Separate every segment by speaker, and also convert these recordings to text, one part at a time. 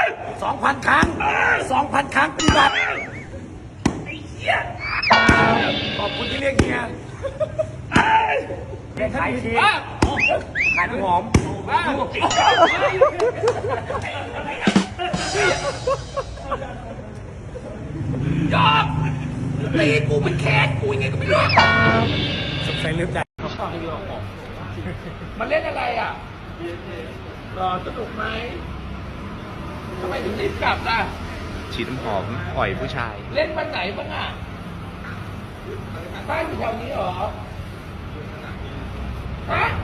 Speaker 1: 2,000 ครั้ง 2,000 ครั้งปฏิบัติไอ้เหี้ยขอบคุณที่เรียกเฮียเรียกขายทีขายน้ำหอมยอมตีกูมันแค้นกูยังไงก็ไม่รู้สงสัยลืมใจมันเล่นอะไรอ่ะรอสนุกไหมทำไมถึงรีบกลับล่ะ
Speaker 2: ฉีดน้ำหอมอ่อยผู้ชาย
Speaker 1: เล่นวันไหนบ้างอ่ะบ้านอยู่แถวนี้เหรอฮะ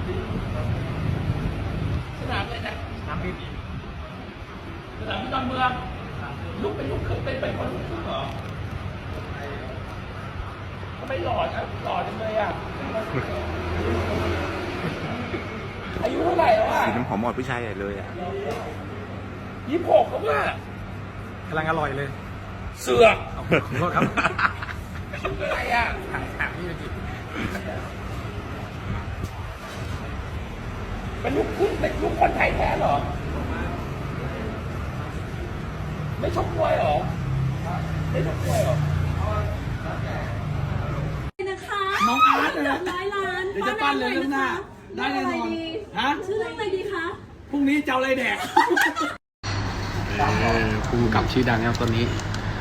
Speaker 1: สนามเลยนะสนามบินสนามบินดอนเมืองลูกเป็นลูกขึ้นเป็นคนลูกขึ้นเหรอทำไมหล่อจังหล่อจังเลยอ่ะอายุเท่าไหร่แล้วอ่ะ
Speaker 2: ฉีดน้ำหอมอ่อยผู้ชายใหญ่เลยอ่ะ
Speaker 1: 26แล้วว่ะ
Speaker 3: กำลังอร่อยเลย
Speaker 1: เสือก
Speaker 3: ขอโทษครับ
Speaker 1: อะไรอ่ะ
Speaker 3: ถามนี่เลยจิ
Speaker 1: เป็นลูกครึ่งเป็นลูกคนไทยแท้เหรอไม่ชกมวยเหรอไม่ชกมวยเหรอ
Speaker 4: นะคะ
Speaker 3: น้องอาร์ตเลย
Speaker 4: 100 ล้าน
Speaker 3: เดี๋ยวจะปั้นเลยเรื่องหน้าได้แน่นอนฮะ
Speaker 4: ชื่อเรื่องอะไรดีคะ
Speaker 3: พรุ่งนี้จะเอาอะไรแดกผู้กำกับชื่อดังครับตอนนี้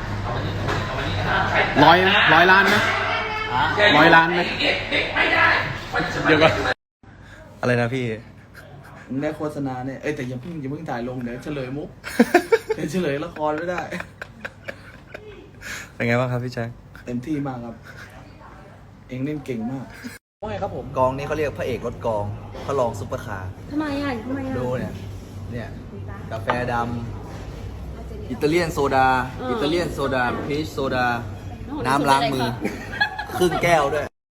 Speaker 3: 100 ล้านไหม100 ล้านไหมเดี๋ยวก่อน
Speaker 2: อะไรนะพี่
Speaker 3: มึงได้โฆษณาเนี่ยแต่อย่าเพิ่งถ่ายลงเดี๋ยวเฉลยมุกเดี๋ยวเฉลยละครไม่ได้
Speaker 2: เป็นไงบ้างครับพี่แจ๊ค
Speaker 3: เต็มที่มากครับ เองเล่นเก่งมากว่าไงครับผม
Speaker 5: กองนี้เขาเรียกพระเอกรถกองพระรองซุปเปอร์คาร์
Speaker 4: ทำไมอ่ะ
Speaker 5: ดูเนี่ยกาแฟดำอิตาเลียนโซดา อิตาเลียนโซดาพีชโซดา น้ำล้างมือ ครึ่งแก้วด้วย